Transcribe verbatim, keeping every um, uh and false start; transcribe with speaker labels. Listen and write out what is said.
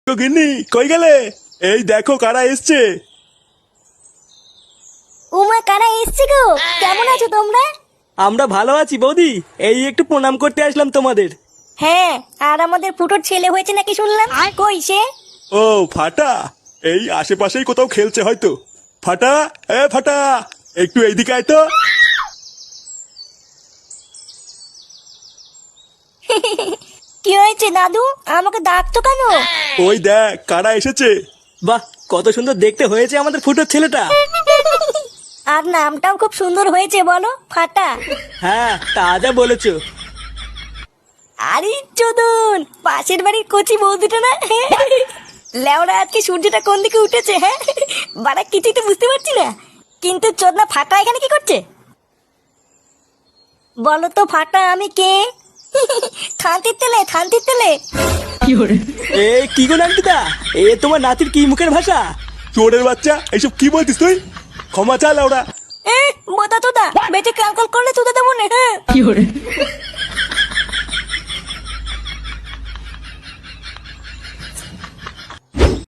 Speaker 1: গিন্নি কই গেলে? এই দেখো কারা এসছে।
Speaker 2: উমা, কারা এসছে গো? কেমন আছো তোমরা?
Speaker 3: আমরা ভালো আছি বৌদি, এই একটু প্রণাম করতে আসলাম তোমাদের।
Speaker 2: হ্যাঁ, আর আমাদের ফুটোর ছেলে হয়েছে নাকি শুনলাম। কই সে?
Speaker 1: ও ফাটা, এই আশেপাশেই কোথাও খেলছে হয়তো। ফাটা, এ ফাটা, একটু এইদিকে আয় তো।
Speaker 2: কি হয়েছে দাদু? আমাকে ডাকতো কেন?
Speaker 1: ওই দেখ কারা এসেছে।
Speaker 3: বাহ, কত সুন্দর দেখতে হয়েছে আমাদের ফুটোর ছেলেটা।
Speaker 2: আর নামটাও খুব সুন্দর হয়েছে, বলো ফাটা।
Speaker 3: হ্যাঁ, তা যা বলেছো।
Speaker 2: আরে চোদন, পাশের বাড়ির কচি বৌদিটা না? লেওরা, আজকে সূর্যটা কোন দিকে উঠেছে? হ্যাঁ, বাড়া কিছুই তো বুঝতে পারছি না। কিন্তু চোদনা ফাটা এখানে কি করছে? বলো তো ফাটা, আমি কে? থানতির তেলে, থানতির তেলে।
Speaker 3: এ কি গো নান্টুদা, এ তোমার নাতির কি মুখের ভাষা?
Speaker 1: চোরের বাচ্চা, এইসব কি বলতিস তুই? ক্ষমা চা লাউড়া।
Speaker 2: এ বোতা তোদা, বেঁচে কালকল করলে তোদা দেবো না। হ্যাঁ,